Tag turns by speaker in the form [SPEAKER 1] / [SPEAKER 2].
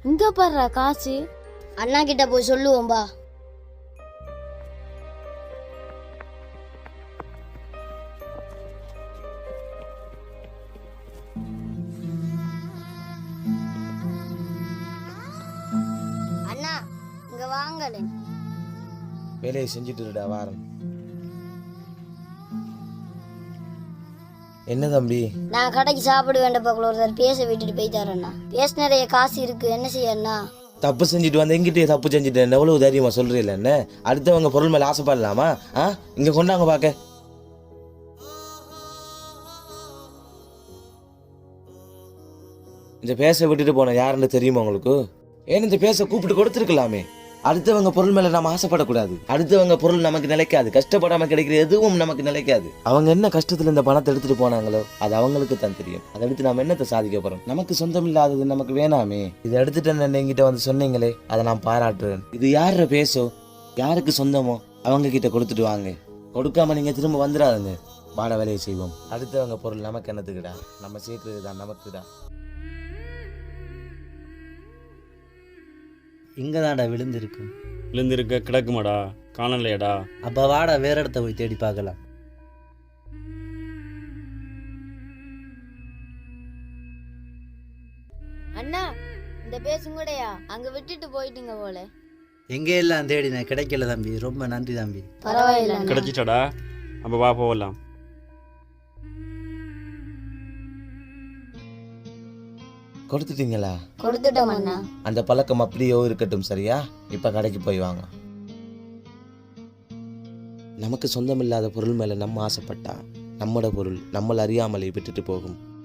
[SPEAKER 1] இங்க பாரு காசு.
[SPEAKER 2] அண்ணா கிட்ட போய் சொல்லுவோம்பா. அண்ணா இங்க வாங்களே.
[SPEAKER 3] வேலையை செஞ்சுட்டு வாரம். என்ன தம்பி?
[SPEAKER 2] நான் கடைக்கு சாப்பிட வேண்டப்பா ஒருத்தர் பேச விட்டுட்டு போயிட்டாரண்ணா. பேச நிறைய காசு இருக்கு, என்ன செய்யண்ணா?
[SPEAKER 3] தப்பு செஞ்சுட்டு வந்து எங்கிட்டே தப்பு செஞ்சுட்டேன் எவ்வளவு தைரியமா சொல்றீல்ல என்ன? அடுத்தவங்க பொருள் மேல ஆசைப்படலாமா? இங்க கொண்டாங்க பாக்க. இந்த பேச விட்டுட்டு போன யாருன்னு தெரியுமா உங்களுக்கு? ஏன் இந்த பேச கூப்பிட்டு கொடுத்துருக்கலாமே. அடுத்தவங்க பொருள் மேல நம்ம ஆசைப்படக்கூடாது. அடுத்தவங்க பொருள் நமக்கு நிலைக்காது. கஷ்டப்படாம கிடைக்கிற எதுவும் நமக்கு நிலைக்காது. அவங்க என்ன கஷ்டத்துல இந்த பணத்தை எடுத்துட்டு போனாங்களோ அது அவங்களுக்கு தான் தெரியும். அதை எடுத்து நாம என்னத்தை சாதிக்க போறோம்? நமக்கு சொந்தம் இல்லாதது நமக்கு வேணாமே. இதை எடுத்துட்டு என்கிட்ட வந்து சொன்னீங்களே, அதை நான் பாராட்டுறேன். இது யார பேசோ, யாருக்கு சொந்தமோ அவங்க கிட்ட கொடுத்துட்டு வாங்க. கொடுக்காம நீங்க திரும்ப வந்துடாதுங்க. வாட வேலையை செய்வோம். அடுத்தவங்க பொருள் நமக்கு என்னத்துக்குடா? நம்ம சேர்க்கிறது தான் நமக்குடா.
[SPEAKER 4] இங்கே தான்டா விழுந்திருக்கும்.
[SPEAKER 5] விழுந்திருக்க கிடக்குமாடா, காணலையடா.
[SPEAKER 4] அப்போ வாடா வேற இடத்த போய் தேடி பார்க்கலாம்.
[SPEAKER 1] அண்ணா இந்த பேசுங்கூடையா அங்க விட்டுட்டு போயிட்டீங்க போல.
[SPEAKER 4] எங்கே எல்லாம் தேடினேன், கிடைக்கல தம்பி. ரொம்ப நன்றி தம்பி.
[SPEAKER 2] பரவாயில்ல.
[SPEAKER 5] கிடைச்சிட்டாடா, அப்ப வா போகலாம்.
[SPEAKER 3] கொடுத்துட்டீங்களா?
[SPEAKER 2] கொடுத்துட்டோம் அண்ணா.
[SPEAKER 3] அந்த பழக்கம் அப்படியோ இருக்கட்டும், சரியா? இப்ப கடைக்கு போய் வாங்க. நமக்கு சொந்தமில்லாத பொருள் மேல நம்ம ஆசைப்பட்டா நம்மளோட பொருள் நம்மள அறியாமலே விட்டுட்டு போகும்.